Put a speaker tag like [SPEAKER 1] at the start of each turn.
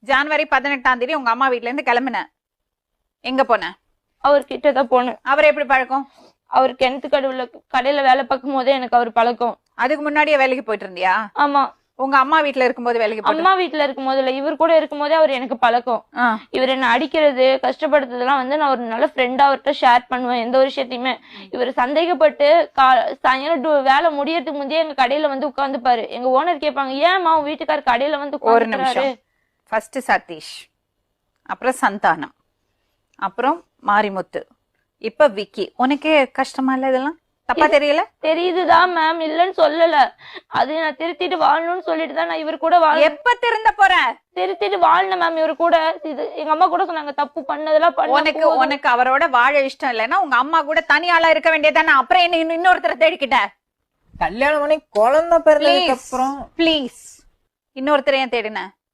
[SPEAKER 1] ஜனவரி 18 உங்க அம்மா வீட்ல இருந்து கிளம்புன, எங்க போன?
[SPEAKER 2] அவர்கிட்ட தான் போனேன்.
[SPEAKER 1] அவர் எப்படி பழக்கம்?
[SPEAKER 2] அவர் கிணத்து கடையில வேலை பார்க்கும் போதே எனக்கு அவர் பழக்கம்.
[SPEAKER 1] அதுக்கு முன்னாடியே வேலைக்கு போயிட்டு இருந்தியா?
[SPEAKER 2] ஆமா.
[SPEAKER 1] உங்க அம்மா வீட்ல இருக்கும்போது வேலைக்கு போயிட்டு?
[SPEAKER 2] அம்மா வீட்டுல இருக்கும் போது இல்ல, இவர் கூட இருக்கும் போதே அவர் எனக்கு பழக்கம். இவர் என்ன அடிக்கிறது கஷ்டப்படுத்துறதுலாம் வந்து நான் ஒரு நல்ல ஃப்ரெண்டா அவர்கிட்ட ஷேர் பண்ணுவேன் எந்த ஒரு விஷயத்தையுமே. இவர் சந்தேகப்பட்டு சாயங்காலம் வேலை முடியறதுக்கு முந்தைய எங்க கடையில வந்து உட்காந்துப்பாரு. எங்க ஓனர் கேட்பாங்க, ஏமா உன் வீட்டுக்காரர் கடையில வந்து
[SPEAKER 1] ஒரு நிமிஷம். ஃபர்ஸ்ட் சதீஷ், அப்புறம் சந்தானம், அப்புறம் மாரிமுத்து, இப்ப விக்கி. உனக்கே கஷ்டமா இல்ல? இதெல்லாம் தப்பா தெரியல?
[SPEAKER 2] தெரியுதுதான் மேம், இல்லன்னு சொல்லல. அது நான் திருத்திட்டு வாழணும்னு சொல்லிட்டு தான் நான் இவர் கூட
[SPEAKER 1] எப்ப திருந்த போற?
[SPEAKER 2] திருத்திட்டு வாழணும் மேம் இவர் கூட. இது எங்க அம்மா கூட சொன்னாங்க, தப்பு பண்ணதெல்லாம்
[SPEAKER 1] உனக்கு அவரோட வாழ இஷ்டம் இல்லைன்னா உங்க அம்மா கூட தனியாளா இருக்க வேண்டியதானே. அப்புறம் என்ன இன்னொருத்தர தேடிக்கிட்ட?
[SPEAKER 3] கல்யாணம் பண்ணி குழந்தை பிறந்ததுக்கு அப்புறம்
[SPEAKER 1] ப்ளீஸ் இன்னொருத்தர ஏன் தேடின?